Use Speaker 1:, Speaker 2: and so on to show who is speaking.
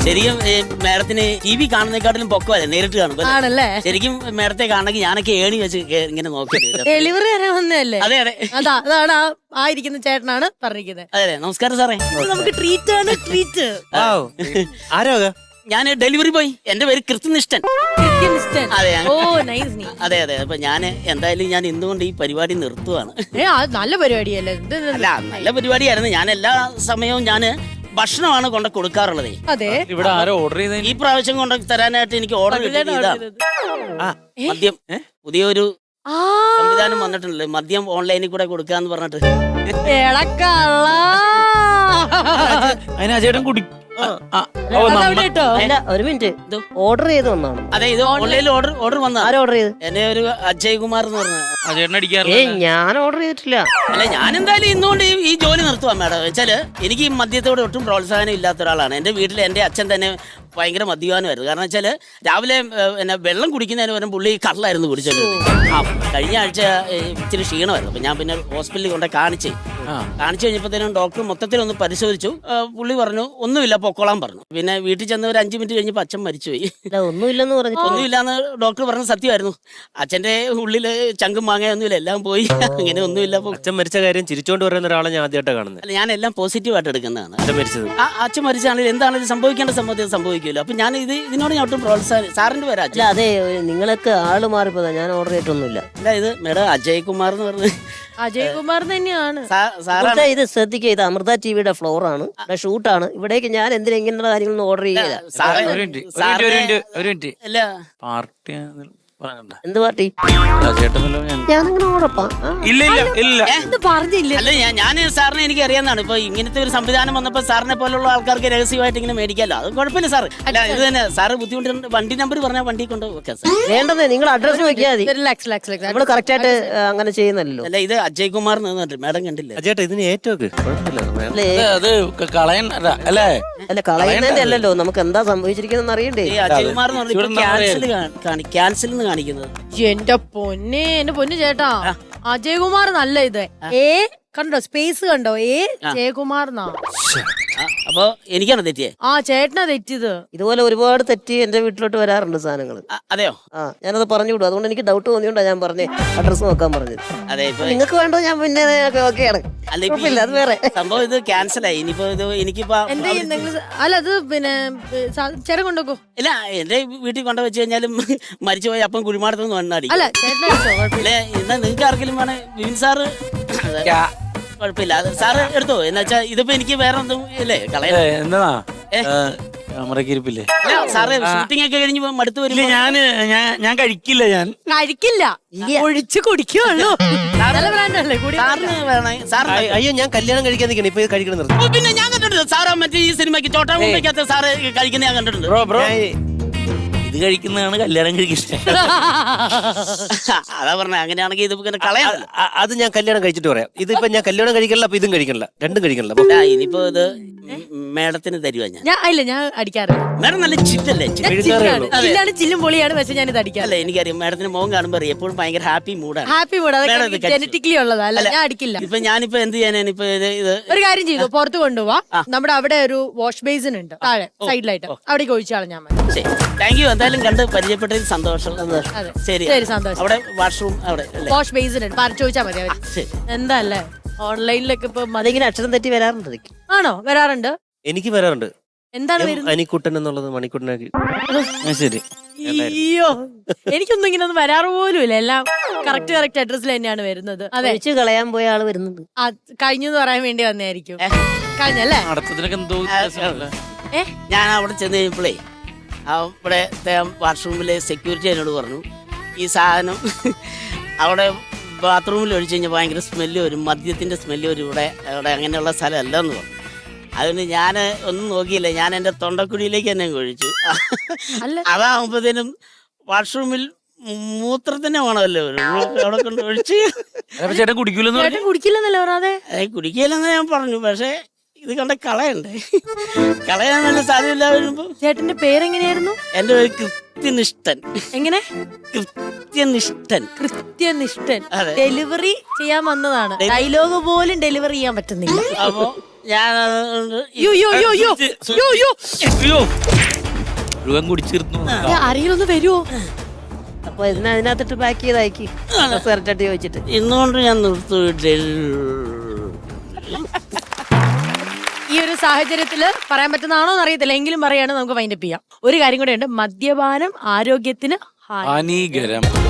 Speaker 1: ശരിക്കും മേഡത്തിന് TV കാണുന്നേക്കാട്ടിലും പൊക്കമല്ലേ നേരിട്ട് കാണുമ്പോ
Speaker 2: ആണല്ലേ?
Speaker 1: ശരിക്കും മേഡത്തെ കാണണമെങ്കിൽ ഞാനൊക്കെ ഏണി വെച്ച് ഇങ്ങനെ നോക്കി
Speaker 2: ഡെലിവറി വരാൻ വന്നതല്ലേ?
Speaker 1: അതെ അതെ
Speaker 2: അതാണ് ആ ഇരിക്കുന്ന ചേട്ടനാണ് പറഞ്ഞിരിക്കുന്നത്.
Speaker 1: അതെ അതെ. നമസ്കാരം സാറേ.
Speaker 2: നമുക്ക് ട്രീറ്റ് ആണ്, ട്രീറ്റ്.
Speaker 3: ആരോ
Speaker 1: ഞാൻ ഡെലിവറി ബോയ്. എന്റെ പേര് കൃത്യനിഷ്ഠൻ. അതെ അതെ അതെ. അപ്പൊ ഞാൻ എന്തായാലും ഞാൻ ഇന്നുകൊണ്ട് ഈ പരിപാടി നിർത്തുവാണ്.
Speaker 2: നല്ല പരിപാടിയല്ലേ?
Speaker 1: അല്ല, നല്ല പരിപാടിയായിരുന്നു. ഞാൻ എല്ലാ സമയവും ഞാൻ ഭക്ഷണമാണ് കൊണ്ട് കൊടുക്കാറുള്ളത്.
Speaker 2: അതെ.
Speaker 3: ഇവിടെ ആരോ ഓർഡർ ചെയ്ത
Speaker 1: ഈ പ്രാവശ്യം കൊണ്ട് തരാനായിട്ട് എനിക്ക് ഓർഡർ കിട്ടിയതാണ്. മദ്യം പുതിയൊരു സംവിധാനം വന്നിട്ടുണ്ടല്ലോ, മദ്യം ഓൺലൈനിൽ കൂടെ കൊടുക്കാന്ന് പറഞ്ഞിട്ട്.
Speaker 3: അതിന് ചേട്ടൻ കുടി
Speaker 4: ഒരു മിനിറ്റ്, ഓർഡർ ചെയ്ത് വന്നാണ്.
Speaker 1: അതെ, ഇത് ഓൺലൈനിൽ ഓർഡർ വന്ന.
Speaker 4: ആരും ഓർഡർ ചെയ്ത്?
Speaker 1: എന്നെ ഒരു അജയ് കുമാർ എന്ന് പറഞ്ഞു.
Speaker 4: ഞാൻ ഓർഡർ ചെയ്തിട്ടില്ല.
Speaker 1: അല്ല, ഞാൻ എന്തായാലും ഇന്നുകൊണ്ട് ഈ ജോലി നിർത്തുവാ മേഡം. വെച്ചാല് എനിക്ക് ഈ മദ്യത്തോട് ഒട്ടും പ്രോത്സാഹനം ഇല്ലാത്ത ഒരാളാണ്. എന്റെ വീട്ടിൽ എന്റെ അച്ഛൻ തന്നെ ഭയങ്കര മദ്യപാനമായിരുന്നു. കാരണം വെച്ചാല് രാവിലെ പിന്നെ വെള്ളം കുടിക്കുന്നതിന് പകരം പുള്ളി കള്ളായിരുന്നു കുടിച്ചത്. കഴിഞ്ഞ ആഴ്ച ഇച്ചിരി ക്ഷീണമായിരുന്നു. അപ്പൊ ഞാൻ പിന്നെ ഹോസ്പിറ്റലിൽ കൊണ്ട് കാണിച്ചു കഴിഞ്ഞപ്പോഴത്തേനും ഡോക്ടർ മൊത്തത്തിലൊന്ന് പരിശോധിച്ചു. പുള്ളി പറഞ്ഞു ഒന്നുമില്ല, പൊക്കോളാൻ പറഞ്ഞു. പിന്നെ വീട്ടിൽ ചെന്ന് ഒരു 5 മിനിറ്റ് കഴിഞ്ഞപ്പോൾ അച്ഛൻ മരിച്ചുപോയി.
Speaker 4: ഒന്നുമില്ലെന്ന് പറഞ്ഞു.
Speaker 1: ഒന്നുമില്ലാന്ന് ഡോക്ടർ പറഞ്ഞ സത്യമായിരുന്നു. അച്ഛന്റെ ഉള്ളില് ചങ്കും മാങ്ങയൊന്നുമില്ല, എല്ലാം പോയി. അങ്ങനെ ഒന്നുമില്ല.
Speaker 3: അച്ഛൻ മരിച്ച കാര്യം ചിരിച്ചോണ്ട് പറയുന്ന ഒരാളെ ഞാൻ ആദ്യമായിട്ടാണ് കാണുന്നത്.
Speaker 1: അല്ല, ഞാൻ എല്ലാം പോസിറ്റീവായിട്ട് എടുക്കുന്നതാണ്. അച്ഛൻ മരിച്ചാണെങ്കിൽ എന്താണെങ്കിലും സംഭവിക്കേണ്ട സംഭവിക്കില്ല. അപ്പൊ ഞാൻ ഇതിനോട് ഞാൻ ഒട്ടും പ്രോത്സാഹനം. സാറിന്റെ പേര് അച്ഛൻ?
Speaker 4: അതെ, നിങ്ങൾക്ക് ആള് മാറിപ്പോതാ. ഞാൻ ഓർഡർ ചെയ്തിട്ടൊന്നുമില്ല.
Speaker 1: അല്ല, ഇത് മേഡം അജയ് കുമാർ എന്ന് പറഞ്ഞു.
Speaker 2: അജയ് കുമാർ തന്നെയാണ്.
Speaker 4: ഇത് ശ്രദ്ധിക്കുക, ഇത് അമൃത ടിവിയുടെ ഫ്ലോർ ആണ്, ഷൂട്ടാണ്. ഇവിടേക്ക് ഞാൻ എന്തിനാ ഇങ്ങനെയുള്ള കാര്യങ്ങളൊന്നും ഓർഡർ ചെയ്യില്ല. എന്ത് പാർട്ടി? ഞാനങ്ങനെ ഉറപ്പാ.
Speaker 1: അല്ല, ഞാൻ സാറിനെ എനിക്ക് അറിയാവുന്നതാണ്. ഇപ്പൊ ഇങ്ങനത്തെ ഒരു സംവിധാനം വന്നപ്പോ സാറിനെ പോലുള്ള ആൾക്കാർക്ക് രഹസ്യമായിട്ട് ഇങ്ങനെ മേടിക്കാമല്ലോ. അത് കുഴപ്പമില്ല സാർ. അല്ല, ഇത് തന്നെ സാറ് ബുദ്ധിമുട്ടുണ്ട്. വണ്ടി നമ്പർ പറഞ്ഞാൽ വണ്ടി കൊണ്ട് വെക്കാം സാർ.
Speaker 4: വേണ്ടത് നിങ്ങൾ അഡ്രസ് വെക്കാൽ മതി. നമ്മള് കറക്റ്റ് ആയിട്ട് അങ്ങനെ ചെയ്യുന്നല്ലോ.
Speaker 1: അല്ല, ഇത് അജയ് കുമാർ മേഡം കണ്ടില്ല?
Speaker 3: ചേട്ടാ, ഇതിന് ഏറ്റവും
Speaker 4: അല്ല, കളയുന്നതിന്റെ അല്ലല്ലോ, നമുക്ക് എന്താ സംഭവിച്ചിരിക്കുന്ന അറിയണ്ടേ?
Speaker 1: അജയ് കുമാർ എന്ന് പറഞ്ഞാൽ ക്യാൻസൽ കാണിക്കുന്നത്.
Speaker 2: എന്റെ പൊന്ന് ചേട്ടാ, അജയ് കുമാർ നല്ല ഇത്. കണ്ടോ സ്പേസ് കണ്ടോ? ജയകുമാർ എന്നാ.
Speaker 1: അപ്പൊ എനിക്കാണ് തെറ്റിയേ?
Speaker 2: ചേട്ടനാ തെറ്റിയത്.
Speaker 4: ഇതുപോലെ ഒരുപാട് തെറ്റി എന്റെ വീട്ടിലോട്ട് വരാറുണ്ട് സാധനങ്ങൾ.
Speaker 1: അതെയോ?
Speaker 4: ഞാനത് പറഞ്ഞു വിടും. അതുകൊണ്ട് എനിക്ക് ഡൗട്ട് തോന്നിയോണ്ടാ ഞാൻ പറഞ്ഞേ അഡ്രസ് നോക്കാൻ പറഞ്ഞത്.
Speaker 1: അതെ,
Speaker 4: നിങ്ങൾക്ക് വേണ്ടോ? ഞാൻ പിന്നെ ഓക്കെയാണ്. അത് വേറെ
Speaker 1: സംഭവം. ഇത് ക്യാൻസൽ ആയി. ഇനിയിപ്പോ ഇത് എനിക്കിപ്പോ
Speaker 2: അല്ല, അത് പിന്നെ ചേട്ടൻ കൊണ്ടുവെക്കോ?
Speaker 1: ഇല്ല, എന്റെ വീട്ടിൽ കൊണ്ടുവച്ച് കഴിഞ്ഞാലും മരിച്ചുപോയി അപ്പം കുഴിമാടത്തൊന്നും വണ്ണാടി.
Speaker 2: അല്ല, ചേട്ടൻ
Speaker 1: എന്നാ നിങ്ങൾക്ക് ആർക്കെങ്കിലും വേണേ വിൻ സാറ് കുഴപ്പമില്ല, സാറ് എടുത്തോ. എന്ന് വെച്ചാ ഇതിപ്പോ എനിക്ക് വേറെ ഒന്നും ഇല്ലേ കളയാ. സാറ് ഷൂട്ടിംഗ് ഒക്കെ കഴിഞ്ഞ് മടുത്ത് വരില്ല.
Speaker 3: ഞാൻ കഴിക്കില്ല.
Speaker 2: ഒഴിച്ച് കുടിക്കുള്ളൂ.
Speaker 1: സാറിന് വേണേ സാർ.
Speaker 3: അയ്യോ, ഞാൻ കല്യാണം കഴിക്കാൻ നിൽക്കണം. ഇപ്പൊ കഴിക്കണം നിർത്തി.
Speaker 1: പിന്നെ ഞാൻ കണ്ടിട്ടുണ്ട് സാറാ മറ്റേ ഈ സിനിമയ്ക്ക് ചോട്ടാ മുമ്പേക്കകത്ത് സാറ് കഴിക്കുന്ന ഞാൻ കണ്ടിട്ടുണ്ട്.
Speaker 3: ഇത് കഴിക്കുന്നതാണ് കല്യാണം കഴിക്കുന്നത്.
Speaker 1: അതാ പറഞ്ഞ, അങ്ങനെയാണെങ്കിൽ ഇത് കളയാ.
Speaker 3: അത് ഞാൻ കല്യാണം കഴിച്ചിട്ട് പറയാം. ഇതിപ്പോ ഞാൻ കല്യാണം കഴിക്കണില്ല, അപ്പൊ ഇതും കഴിക്കണില്ല, രണ്ടും കഴിക്കണില്ല.
Speaker 1: ഇനിയിപ്പോ ഇത് മേഡത്തിന് തരുവാ ഞാൻ
Speaker 2: അടിക്കാറില്ല.
Speaker 1: മേഡം നല്ല ചില്ലല്ലേ?
Speaker 2: ചില്ലും പൊളിയാണ്. പക്ഷെ ഞാൻ ഇത് അടിക്കാറില്ല.
Speaker 1: എനിക്കറിയാം മേഡത്തിന് മുഖം കാണുമ്പോ എപ്പോഴും ഭയങ്കര ഹാപ്പി മൂഡാണ്.
Speaker 2: ജനറ്റിക്കലി ഉള്ളതല്ല, ഞാൻ അടിക്കില്ല.
Speaker 1: ഇപ്പൊ ഞാനിപ്പോ എന്ത് ചെയ്യാനാണ്? ഇപ്പൊ ഇത്
Speaker 2: ഒരു കാര്യം ചെയ്തു, പുറത്ത് കൊണ്ടുപോവാ. നമ്മുടെ അവിടെ ഒരു വാഷ് ബേസിൻ ഉണ്ട് താഴെ സൈഡിലായിട്ട്, അവിടേക്ക് ഒഴിച്ചാണ് ഞാൻ.
Speaker 1: Thank you. എന്തായാലും കണ്ട് പരിചയപ്പെട്ടതിൽ സന്തോഷം. ശരി,
Speaker 2: സന്തോഷം.
Speaker 1: അവിടെ വാഷ്റൂം, അവിടെ വാഷ്
Speaker 2: ബേസിൻ ഉണ്ട്, ചോദിച്ചാൽ മതി. എന്താ അല്ലേ ഓൺലൈനിലൊക്കെ ഇപ്പൊ
Speaker 4: അതിങ്ങനെ അക്ഷരം തെറ്റി വരാറുണ്ട്.
Speaker 2: ആണോ? വരാറുണ്ട്.
Speaker 3: എനിക്ക് വരാറുണ്ട്.
Speaker 2: എന്താണ്
Speaker 3: അനിക്കുട്ടൻ എന്നുള്ളത് മണിക്കുട്ടനാക്കി. ശരി.
Speaker 2: അയ്യോ, എനിക്കൊന്നും ഇങ്ങനെ ഒന്നും വരാറ് പോലും ഇല്ല. എല്ലാം കറക്റ്റ് അഡ്രസ്സിൽ തന്നെയാണ് വരുന്നത്. അതെ,
Speaker 4: കളയാൻ പോയ ആള് വരുന്നുണ്ട്.
Speaker 2: കഴിഞ്ഞു എന്ന് പറയാൻ വേണ്ടി വന്നായിരിക്കും. കഴിഞ്ഞല്ലേ?
Speaker 1: ഞാൻ അവിടെ ചെന്ന് കഴിഞ്ഞപ്പോഴേ അവിടെ വാഷ്റൂമിലെ സെക്യൂരിറ്റി എന്നോട് പറഞ്ഞു, ഈ സാധനം അവിടെ ബാത്റൂമിൽ ഒഴിച്ചു കഴിഞ്ഞാൽ ഭയങ്കര സ്മെല്ല് വരും, മദ്യത്തിന്റെ സ്മെല്ല് വരും, ഇവിടെ അങ്ങനെയുള്ള സ്ഥലമല്ല എന്ന് പറഞ്ഞു. അതുകൊണ്ട് ഞാൻ ഒന്നും നോക്കിയില്ല, ഞാൻ എൻ്റെ തൊണ്ടക്കുഴിയിലേക്ക് തന്നെ ഒഴിച്ചു. അതാകുമ്പോഴത്തേനും വാഷ്റൂമിൽ മൂത്രത്തിന്റെ വേണമല്ലോ, അവിടെ കൊണ്ട് ഒഴിച്ച്.
Speaker 3: ചേട്ടൻ
Speaker 2: കുടിക്കില്ലെന്നല്ലേ പറയാതെ?
Speaker 1: കുടിക്കില്ലെന്ന് ഞാൻ പറഞ്ഞു. പക്ഷെ ഇത് കണ്ട കളയണ്ടേ? കളയാൻ നല്ല സാധ്യതയില്ല. വരുമ്പോ ചേട്ടന്റെ
Speaker 2: പേരെങ്ങനെയായിരുന്നു?
Speaker 1: എന്റെ പേര് കൃത്യനിഷ്ഠൻ.
Speaker 2: എങ്ങനെ?
Speaker 1: കൃത്യനിഷ്ഠൻ.
Speaker 2: ഡെലിവറി ചെയ്യാൻ വന്നതാണ്. ഡയലോഗ് പോലും ഡെലിവറി ചെയ്യാൻ പറ്റുന്നില്ല.
Speaker 1: അപ്പൊ ഞാൻ
Speaker 5: മുഴുവൻ കുടിച്ചിരുന്നു.
Speaker 2: ആരെങ്കിലും ഒന്ന് വരുമോ?
Speaker 4: അപ്പൊ അതിനകത്തിട്ട് പാക്ക് ചെയ്ത് അയക്കി സിഗരറ്റ് ചോദിച്ചിട്ട്.
Speaker 1: ഇന്നുകൊണ്ട് ഞാൻ നിർത്തി.
Speaker 2: ഈ ഒരു സാഹചര്യത്തില് പറയാൻ പറ്റുന്നതാണോ എന്ന് അറിയത്തില്ല, എങ്കിലും പറയാണ് നമുക്ക് വൈൻഡപ്പ് ചെയ്യാം. ഒരു കാര്യം കൂടെ ഉണ്ട്, മദ്യപാനം ആരോഗ്യത്തിന്
Speaker 5: ഹാനികരം.